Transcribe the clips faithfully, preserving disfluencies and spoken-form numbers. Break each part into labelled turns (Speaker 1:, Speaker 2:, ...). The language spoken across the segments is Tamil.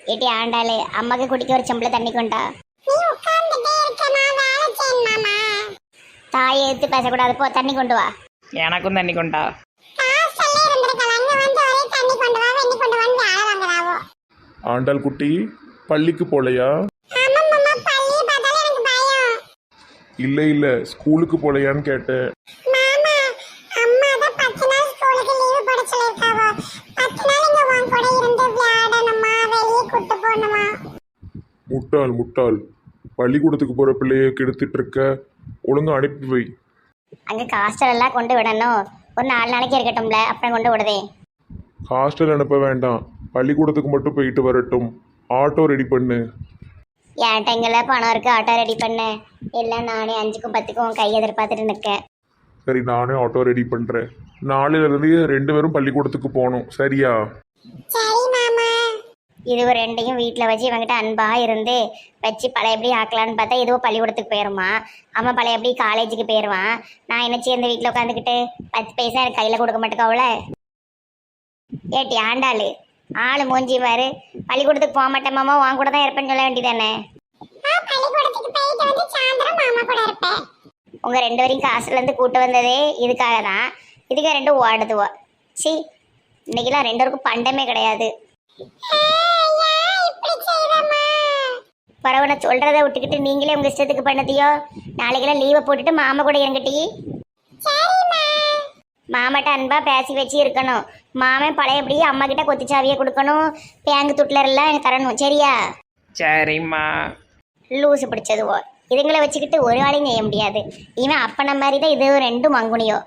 Speaker 1: ஏட்டி ஆண்டாளு அம்மாக்கு குடிக்க ஒரு செம்பளை தண்ணி கொண்டா. தாயை எடுத்து பேசக்கூடாது, போ தண்ணி கொண்டு வா.
Speaker 2: எனக்கும் தண்ணி கொண்டா.
Speaker 3: ஆண்டாள் குட்டி பள்ளிக்கு போலையா? இல்ல இல்ல ஸ்கூலுக்கு போலையான்னு கேட்டேன். முட்டாள் முட்டாள், பள்ளிக்கூடத்துக்கு போற பிள்ளைய கெடுத்துட்டு இருக்க, ஒழுங்கா அனுப்பி வை.
Speaker 1: அங்க ஹாஸ்டல் எல்லாம் கொண்டு விடணும், ஒரு நாலு நாளைக்கு இருக்கட்டும்ல, அப்புறம் கொண்டு விடுதே.
Speaker 3: ஹாஸ்டல் அனுப்ப வேண்டாம், பள்ளிக்கூடத்துக்கு மட்டும் போயிட்டு வரட்டும். ஆட்டோ ரெடி பண்ணு.
Speaker 1: என்கிட்ட எங்களை பணம் இருக்கு, ஆட்டோ ரெடி பண்ணு. எல்லாம் நானே அஞ்சுக்கும் பத்துக்கும் கை எதிர்பார்த்துட்டு நிற்கேன்.
Speaker 3: சரி, நானே ஆட்டோ ரெடி பண்றேன். நாளையில இருந்து ரெண்டு பேரும் பள்ளிக்கூடத்துக்கு போகணும், சரியா?
Speaker 1: இது ஒரு ரெண்டையும் வீட்டில் வச்சு இவங்கிட்ட அன்பா இருந்து வச்சு பழையபடி ஆக்கலான்னு பார்த்தா இதுவும் பள்ளிக்கூடத்துக்கு போயிடுமா, அவன் பழையபடி காலேஜுக்கு போயிடுவான். நான் என்ன சேர்ந்து வீட்டில் உட்காந்துக்கிட்டு பத்து பைசா எனக்கு கையில் கொடுக்க மாட்டேக்கா அவளை. ஏட்டி ஆண்டாளு, ஆளு மூஞ்சி பாரு. பள்ளிக்கூடத்துக்கு போக மாட்டேன் மாமா, உன் கூட தான் இருப்பேன்னு சொல்ல வேண்டியதானே. உங்க ரெண்டு வரையும் காசுல இருந்து கூட்டு வந்ததே இதுக்காக தான். இதுக்கு ரெண்டும் ஓடுதுவோ. சி, இன்னைக்கெல்லாம் ரெண்டு பேருக்கும் பண்டமே கிடையாது. பரவாயில்ல, சொல்றதை விட்டுக்கிட்டு நீங்களே உங்க இஷ்டத்துக்கு பண்ணதியோ. நாளைக்கெல்லாம் லீவை போட்டுட்டு மாமா கூட என்கிட்ட மாமாட்ட அன்பா பேசி வச்சு இருக்கணும். மாமன் பழையபடி அம்மா கிட்ட கொத்திச்சாவியை கொடுக்கணும், பேங்கு துட்லர் எல்லாம் எனக்கு தரணும், சரியா?
Speaker 2: சரிம்மா.
Speaker 1: லூசு பிடிச்சதுவோ. இதுங்களை வச்சுக்கிட்டு ஒரு வேலையும் செய்ய முடியாது. இவன் அப்பன மாதிரி தான் இது ரெண்டும் மங்குனியோ.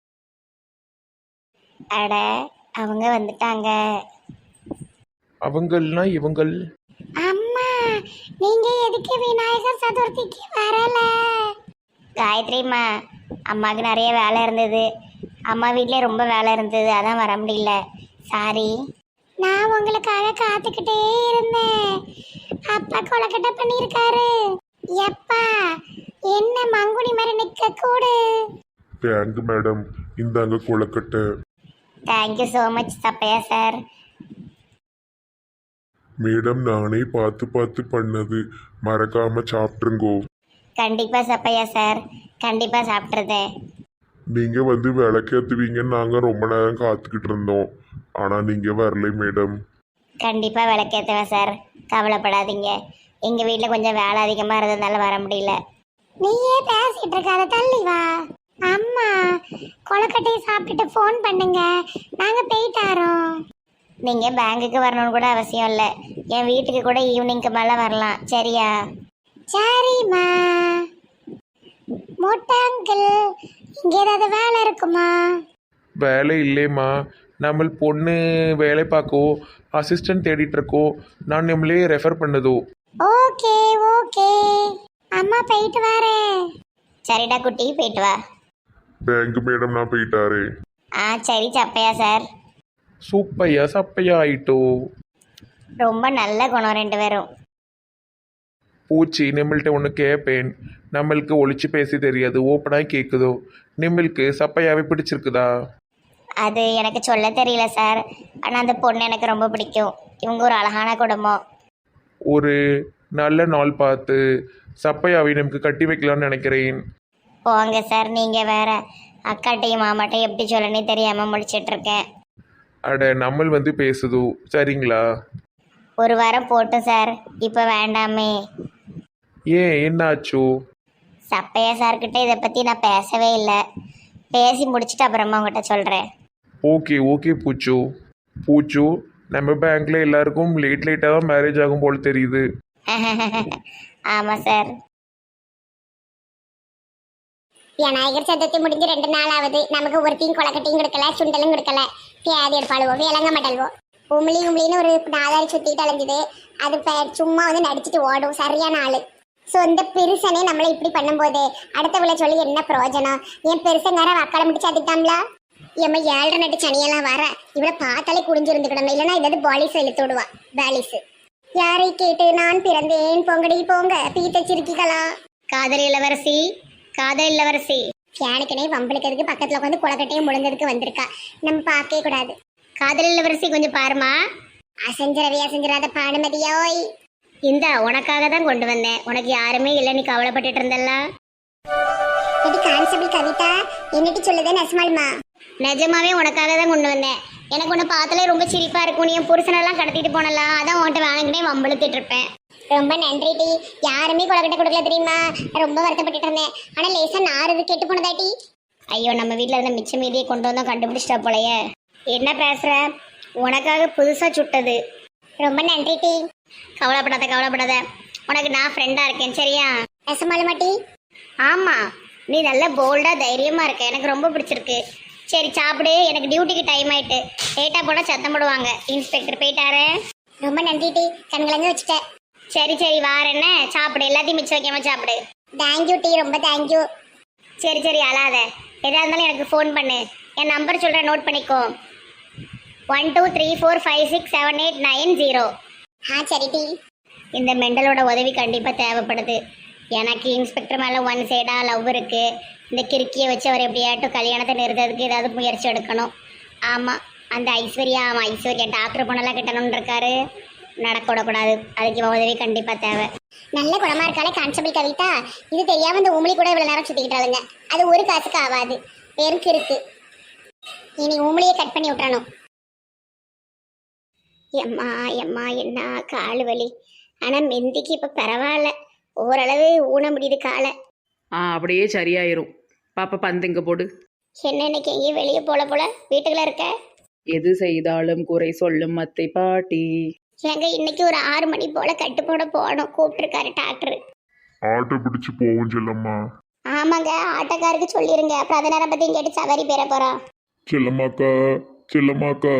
Speaker 1: அட, அவங்க வந்துட்டாங்க.
Speaker 3: அவங்கள்னா இவங்கள்.
Speaker 1: அம்மா, நீங்க எதுக்கு விநாயகர் சதுர்த்திக்கு வரல? காயத்ரிம்மா, அம்மாவுக்கு நிறைய வேலை இருந்தது. அம்மா வீட்லயே ரொம்ப வேலை இருந்தது, அதான் வர முடியல. சாரி. நான் உங்களுக்காக காத்துக்கிட்டே இருந்தேன். அப்பா கொலக்கட்டை பண்ணியிருக்காரு. எப்பா என்ன மங்குனி மாதிரி நிக்க கூடு.
Speaker 3: தேங்க் மேடம், இந்தாங்க கொலக்கட்டை.
Speaker 1: தேங்க்யூ ஸோ மச் சப்பையா சார்.
Speaker 3: மேடம், நானே பார்த்து பார்த்து பண்ணது, மறக்காம சாப்பிட்டுருங்கோ.
Speaker 1: கண்டிப்பா சப்பையா சார், கண்டிப்பா சாப்பிட்றதே.
Speaker 3: நீங்க வந்து விளக்கேத்துவீங்கன்னு நாங்க ரொம்ப நேரம் காத்துக்கிட்டு இருந்தோம், ஆனா நீங்க வரலை மேடம்.
Speaker 1: கண்டிப்பா விளக்கேற்றுவேன் சார், கவலைப்படாதீங்க. எங்க வீட்டில் கொஞ்சம் வேலை அதிகமாக இருந்ததுனால வர முடியல. நீயே பேசிட்டு இருக்காத, தள்ளி வா. அம்மா, கொலக்கட்டையை சாப்பிட்டுட்டு ஃபோன் பண்ணுங்க, நாங்கள் போயிட்டாரோம். நீங்கள் பேங்குக்கு வரணும்னு கூட அவசியம் இல்லை, என் வீட்டுக்கு கூட ஈவினிங்க்கு மேலே வரலாம், சரியா? சரிம்மா. மொட்டாங்கிள், இங்கே ஏதாவது வேலை இருக்குமா?
Speaker 3: வேலை இல்லைம்மா, நம்ம பொண்ணு வேலை பார்க்கோ, அசிஸ்டன்ட் தேடிட்டு இருக்கோ, நான் நம்மளே ரெஃபர் பண்ணதோ.
Speaker 1: ஓகே ஓகே, அம்மா போயிட்டு வரேன். சரிடா குட்டி, போயிட்டு வா.
Speaker 3: பேங்க் மேடம், நான் போயிட்டாரு.
Speaker 1: ஆ சரி சப்பையா சார்.
Speaker 3: சூப்பையா சப்பையா ஆயிட்டோ.
Speaker 1: ரொம்ப நல்ல குணம் ரெண்டு பேரும்.
Speaker 3: பூச்சி, நம்மள்ட்ட ஒன்று கேட்பேன். நம்மளுக்கு ஒழிச்சு பேசி தெரியாது, ஓப்பனாக கேட்குதோ. நம்மளுக்கு சப்பையாவே பிடிச்சிருக்குதா?
Speaker 1: அது எனக்கு சொல்ல தெரியல சார், ஆனால் அந்த பொண்ணு எனக்கு ரொம்ப பிடிக்கும். இவங்க ஒரு அழகான குடும்பம்.
Speaker 3: ஒரு நல்ல நாள் பார்த்து சப்பையாவை நமக்கு கட்டி வைக்கலாம்னு நினைக்கிறேன்.
Speaker 1: போங்க சார், நீங்கள் வேற. அக்காட்டையும் மாமாட்டையும் எப்படி சொல்லனே தெரியாமல் முடிச்சிட்ருக்கேன்.
Speaker 3: அட, நம்மள் வந்து பேசுதோ, சரிங்களா?
Speaker 1: ஒரு வாரம் போட்டும் சார், இப்போ வேண்டாமே.
Speaker 3: ஏன், என்னாச்சோ?
Speaker 1: சப்பையா சார்கிட்ட இதை பற்றி நான் பேசவே இல்லை. பேசி முடிச்சுட்டு அப்புறமா உங்கள்கிட்ட சொல்கிறேன்.
Speaker 3: ஓகே ஓகே பூச்சு. பூச்சு, நம்ம பேங்க்ல எல்லாருக்கும் லேட் லேட்டாக தான் மேரேஜ் ஆகும் போல் தெரியுது.
Speaker 1: ஆமாம் சார். விநாயகர் சதுர்த்தி முடிஞ்சு ரெண்டு நாள் ஆகுது, நமக்கு ஒருத்தையும் கொலக்கட்டையும் கொடுக்கல, சுண்டலும் கொடுக்கல. பியாதி எடுப்பாளுவோ, விளங்க மாட்டல்வோ. உமிழி உமிழின்னு ஒரு நாலாறு சுற்றிட்டு அலைஞ்சுது, அது சும்மா வந்து நடிச்சுட்டு ஓடும். சரியான ஆளு. சொந்த பெருசனே நம்மளை இப்படி பண்ணும்போது அடுத்தவளை சொல்லி என்ன பிரயோஜனம்? என் பெருசங்கார வக்கால முடிச்சு அதுட்டாம்ல. எம்ம ஏழரை நட்டு சனியெல்லாம் வர இவளை பார்த்தாலே குடிஞ்சிருந்துக்கிடணும், இல்லைன்னா இதாவது பாலிஸ் இழுத்து விடுவா. பாலிஸ் யாரை கேட்டு நான் பிறந்தேன், பொங்கடி போங்க பீத்தச்சிருக்கிகளா. காதல் இளவரசி, காதல் இளவரசி. ஃபேனுக்கனே வம்பளுக்கிறதுக்கு பக்கத்தில் உட்காந்து குளக்கட்டையும் முழுந்ததுக்கு வந்திருக்கா. நம்ம பார்க்கவே கூடாது. காதல் இளவரசி, கொஞ்சம் பாருமா. அசஞ்சரவி அசஞ்சராத பானுமதியோய்.
Speaker 4: இந்த உனக்காக தான் கொண்டு வந்தேன். உனக்கு யாருமே இல்லை, நீ கவலைப்பட்டுட்டு இருந்தல்ல.
Speaker 1: எடி கான்ஸ்டபிள் கவிதா என்னட்டி சொல்லுதே நெசமாலுமா?
Speaker 4: நிஜமாவே உனக்காக தான் கொண்டு வந்தேன். எனக்கு ஒன்று பார்த்தாலே ரொம்ப சிரிப்பா இருக்கும். நீ என் புருஷனெல்லாம் கடத்திட்டு போனலாம், அதான் உன்கிட்ட வேணுங்கனே வம்பளுத்துட்டு இருப்பேன்.
Speaker 1: ரொம்ப நன்றி டி. யாருமே கொலக்கட்டை கொடுக்கல தெரியுமா? ரொம்ப வருத்தப்பட்டுட்டு இருந்தேன். ஆனா லேசா நாறு கெட்டு போனதாட்டி.
Speaker 4: ஐயோ, நம்ம வீட்டில் இருந்த மிச்ச மீதியை கொண்டு வந்தோம், கண்டுபிடிச்சிட்டா போலையே. என்ன பேசுற? உனக்காக புதுசா சுட்டது.
Speaker 1: ரொம்ப நன்றி டி.
Speaker 4: கவலைப்படாத கவலைப்படாத, உனக்கு நான் ஃப்ரெண்டா இருக்கேன் சரியா?
Speaker 1: நெசமாலுமா டி?
Speaker 4: ஆமா, நீ நல்ல போல்டா தைரியமா இருக்க, எனக்கு ரொம்ப பிடிச்சிருக்கு. சரி சாப்பிடு, எனக்கு டியூட்டிக்கு டைம் ஆயிட்டு. லேட்டா போனா சத்தம் போடுவாங்க. இன்ஸ்பெக்டர் போயிட்டாரு.
Speaker 1: ரொம்ப நன்றி டி. கண்கலங்க வச்சுட்டேன்.
Speaker 4: சரி சரி வார என்ன, சாப்பிடு, எல்லாத்தையும் மிச்சம் வைக்காம சாப்பிடு.
Speaker 1: தேங்க்யூ டி, ரொம்ப தேங்க்யூ.
Speaker 4: சரி சரி அழாத, எதா இருந்தாலும் எனக்கு ஃபோன் பண்ணு. என் நம்பர் சொல்கிறேன், நோட் பண்ணிக்கோ. One two three four five six seven eight nine zero.
Speaker 1: ஆ சரி டி.
Speaker 4: இந்த மெண்டலோட உதவி கண்டிப்பாக தேவைப்படுது. எனக்கு இன்ஸ்பெக்டர் மேலே ஒன் சைடாக லவ் இருக்குது. இந்த கிறுக்கியை வச்சு அவர் எப்படியாட்டும் கல்யாணத்தை நிறுத்துறதுக்கு ஏதாவது முயற்சி எடுக்கணும். ஆமாம், அந்த ஐஸ்வர்யா, ஆமாம் ஐஸ்வர்யா டாக்டர் பொண்ணெல்லாம் கட்டணும்னு இருக்காரு. நடக்க விடக்கூடாது, அதுக்கு இவன் உதவி கண்டிப்பாக தேவை.
Speaker 1: நல்ல குணமா இருக்காளே கான்ஸ்டபிள் கவிதா. இது தெரியாம இந்த உமிழி கூட இவ்வளவு நேரம் சுத்திக்கிட்டாளுங்க. அது ஒரு காசுக்கு ஆகாது, பெருக்கு இருக்கு. இனி உமிழியை கட் பண்ணி விட்டுறணும்.
Speaker 4: எம்மா எம்மா என்ன கால் வலி. ஆனால் மெந்திக்கு இப்போ பரவாயில்ல, ஓரளவு ஊன முடியுது காலை.
Speaker 2: ஆ அப்படியே சரியாயிரும். பாப்பா பந்து இங்கே போடு.
Speaker 4: என்ன இன்னைக்கு எங்கேயும் வெளியே போல போல, வீட்டுக்குள்ள இருக்க?
Speaker 2: எது செய்தாலும் குறை சொல்லும் அத்தை பாட்டி.
Speaker 4: ஏங்க இன்னைக்கு ஒரு ஆறு மணி போல கட்டு போட போகணும், கூப்பிட்டுருக்காரு டாக்டர்.
Speaker 3: ஆட்டோ பிடிச்சு போவோம் செல்லம்மா.
Speaker 4: ஆமாங்க, ஆட்டோக்காருக்கு சொல்லிருங்க, அப்புறம் அதை நேரம் பற்றி கேட்டு சவாரி பெற போகிறான்.
Speaker 3: செல்லம்மாக்கா செல்லம்மாக்கா.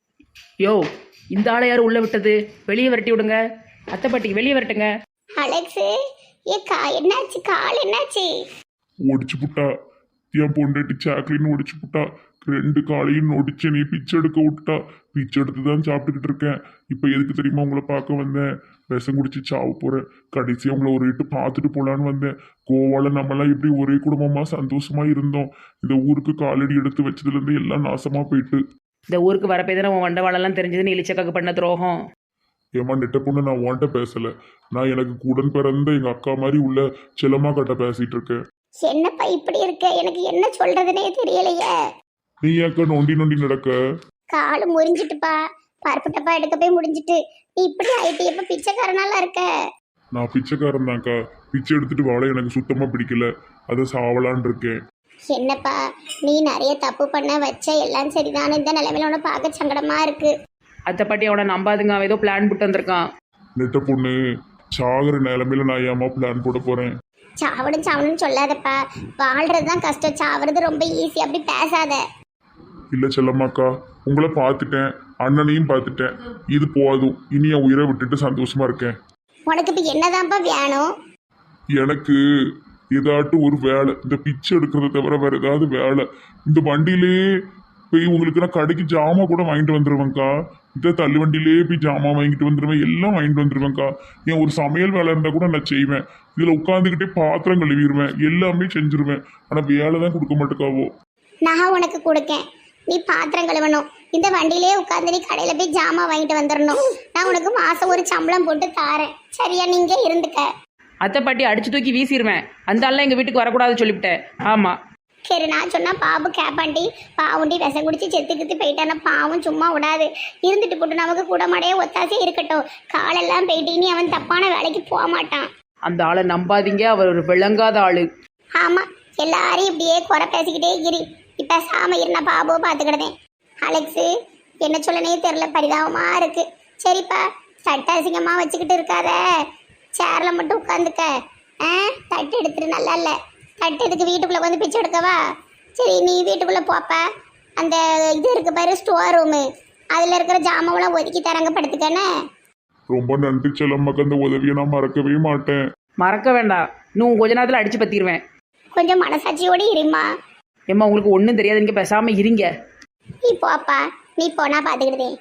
Speaker 2: யோ, இந்த ஆளை யாரும் உள்ள விட்டது? வெளியே விரட்டி விடுங்க. அத்தை பாட்டிக்கு வெளியே விரட்டுங்க.
Speaker 4: அலெக்ஸு, ஏ கா என்னாச்சு, கால் என்னாச்சு?
Speaker 3: ஒடிச்சு புட்டா, என் பொண்டாட்டி சாக்லின்னு ஒடிச்சு புட்டா. ரெண்டு காலையும் நொடிச்சு நீ பிச்சை எடுக்க விட்டா. பிச்சை எடுத்து தான் சாப்பிட்டுக்கிட்டு இருக்கேன். இப்போ எதுக்கு தெரியுமா உங்களை பார்க்க வந்தேன்? விஷம் குடிச்சு சாவ போகிறேன். கடைசியாக உங்களை ஒரு இட்டு பார்த்துட்டு போகலான்னு வந்தேன். கோவாவில் நம்மளாம் எப்படி ஒரே குடும்பமாக சந்தோஷமாக இருந்தோம். இந்த ஊருக்கு காலடி எடுத்து வச்சதுலேருந்து எல்லாம் நாசமாக போயிட்டு.
Speaker 2: இந்த ஊருக்கு வரப்பே தானே உன் வண்டவாளெல்லாம் தெரிஞ்சது. நீ இளிச்சக்காக்கு பண்ண துரோகம்.
Speaker 3: ஏமா நெட்ட பொண்ணு, நான் உன்கிட்ட பேசலை. நான் எனக்கு கூடன் பிறந்த எங்கள் அக்கா மாதிரி உள்ள செல்லம்மா கிட்ட பேசிகிட்டு இருக்கேன்.
Speaker 4: என்னப்பா இப்படி இருக்க, எனக்கு என்ன சொல்றதுனே தெரியலையே.
Speaker 3: நீ ஏக்கா நொண்டி நொண்டி நடக்க?
Speaker 4: காலு முறிஞ்சிட்டுப்பா, பருப்பு டப்பா எடுக்க போய் முடிஞ்சிட்டு. நீ இப்படி ஆயிட்டு, எப்ப பிச்சைக்காரனால இருக்க?
Speaker 3: நான் பிச்சைக்காரன் தான்க்கா. பிச்சை எடுத்துட்டு வாழ எனக்கு சுத்தமாக பிடிக்கல. அதை சாவலான் இருக்கேன்.
Speaker 4: என்னப்பா நீ நிறைய தப்பு பண்ண வச்ச, எல்லாம் சரிதானே, இந்த நிலைமையில உன பார்க்க சங்கடமா இருக்கு.
Speaker 2: அத்தை பாட்டி அவனை நம்பாதுங்க, அவன் ஏதோ பிளான் போட்டு வந்திருக்கான்.
Speaker 3: நெட்ட பொண்ணு, சாகுற நிலைமையில நான் ஏமா பிளான் போட போறேன்?
Speaker 4: சாவணும் சாவணும்னு சொல்லாதப்பா, வாழ்றது தான் கஷ்டம், சாவறது ரொம்ப ஈஸி, அப்படி பேசாத.
Speaker 3: இல்லை செல்லம்மாக்கா, உங்களை பார்த்துட்டேன், அண்ணனையும் பார்த்துட்டேன். இது போதும். இனி என் உயிரை விட்டுட்டு சந்தோஷமா இருக்கேன்.
Speaker 4: உனக்கு இப்போ என்னதான்ப்பா வேணும்?
Speaker 3: எனக்கு ஏதாட்டும் ஒரு வேலை, இந்த பிச்சை எடுக்கிறத தவிர வேற ஏதாவது வேலை. இந்த வண்டியிலே போய் உங்களுக்கு நான் கடைக்கு ஜாமான் கூட வாங்கிட்டு வந்துடுவேங்க்கா. இந்த தள்ளு வண்டியிலே போய் ஜாமான் வாங்கிட்டு வந்துடுவேன், எல்லாம் வாங்கிட்டு வந்துடுவேங்க்கா. ஏன் ஒரு சமையல் வேலை இருந்தால் கூட நான் செய்வேன். இதில் உட்காந்துக்கிட்டே பாத்திரம் கழுவிடுவேன், எல்லாமே செஞ்சுருவேன். ஆனால் வேலை தான் கொடுக்க மாட்டேக்காவோ.
Speaker 4: நான் உனக்கு கொடுக்கேன், நீ பாத்திரம் கழுவணும். இந்த வண்டியிலே உட்காந்து நீ கடையில போய் ஜாமான் வாங்கிட்டு வந்துடணும். நான் உனக்கு மாசம் ஒரு சம்பளம் போட்டு தாரேன், சரியா? நீங்க இருந்துக்க.
Speaker 2: அத்தை பாட்டி அடிச்சு தூக்கி வீசிடுவேன். அந்த ஆள்லாம் எங்கள் வீட்டுக்கு வரக்கூடாது சொல்லிவிட்டேன். ஆமாம்,
Speaker 4: சரி நான் சொன்னா பாபு கேப்பாண்டி, பாவுண்டி விஷம் குடிச்சு செத்து கித்து போயிட்டானா பாவம் சும்மா விடாது. இருந்துட்டு போட்டு நமக்கு கூட மாடையே ஒத்தாசே இருக்கட்டும். காலெல்லாம் போயிட்டு இனி அவன் தப்பான வேலைக்கு போக மாட்டான்.
Speaker 2: அந்த ஆளை நம்பாதீங்க, அவர் ஒரு விளங்காத ஆளு.
Speaker 4: ஆமா, எல்லாரையும் இப்படியே குறை பேசிக்கிட்டே இரு. இப்ப சாம இருந்த பாபுவை பார்த்துக்கிட்டேன். அலெக்ஸு, என்ன சொல்லனே தெரியல, பரிதாபமா இருக்கு. சரிப்பா, சட்ட அசிங்கமா வச்சுக்கிட்டு இருக்காத, சேர்ல மட்டும் உட்காந்துக்க. ஆ, தட்டு எடுத்துட்டு நல்லா இல்லை. தட்டு எதுக்கு வீட்டுக்குள்ளே வந்து பிச்சை எடுக்கவா? சரி நீ வீட்டுக்குள்ளே போப்ப. அந்த இது இருக்கு பாரு, ஸ்டோர் ரூமு, அதில் இருக்கிற ஜாமாவெல்லாம் ஒதுக்கி தரங்க, படுத்துக்கண்ணே.
Speaker 3: ரொம்ப நன்றி செல்லம்மாக்கா, அந்த உதவியை நான் மறக்கவே மாட்டேன்.
Speaker 2: மறக்க வேண்டாம், இன்னும் கொஞ்ச நேரத்தில் அடிச்சு பற்றிடுவேன்.
Speaker 4: கொஞ்சம் மனசாட்சியோடு இருமா.
Speaker 2: ஏம்மா உங்களுக்கு ஒன்றும் தெரியாது, நீங்கள் பேசாமல் இருங்க.
Speaker 4: நீ போப்பா, நீ போனா பார்த்துக்கிட்டேன்.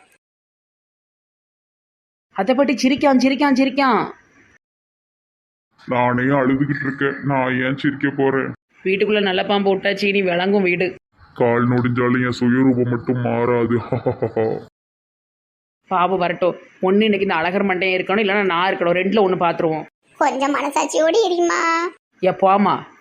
Speaker 2: அதை பாட்டி சிரிக்கான் சிரிக்கான் சிரிக்கான்.
Speaker 3: நானே அழுதுகிட்டு இருக்கேன், நான் ஏன் சிரிக்க போறேன்?
Speaker 2: வீட்டுக்குள்ளே நல்ல பாம்பு விட்டா சீனி விளங்கும் வீடு.
Speaker 3: கால் நொடிஞ்சாலும் என் சுயரூபம் மட்டும் மாறாது.
Speaker 2: பாபு வரட்டும். ஒன்று இன்னைக்கு இந்த அழகர் மண்டையும் இருக்கணும், இல்லைன்னா நான் இருக்கணும். ரெண்டில் ஒன்று பார்த்துருவோம்.
Speaker 4: கொஞ்சம் மனசாட்சியோடு இருமா.
Speaker 2: ஏ போமா.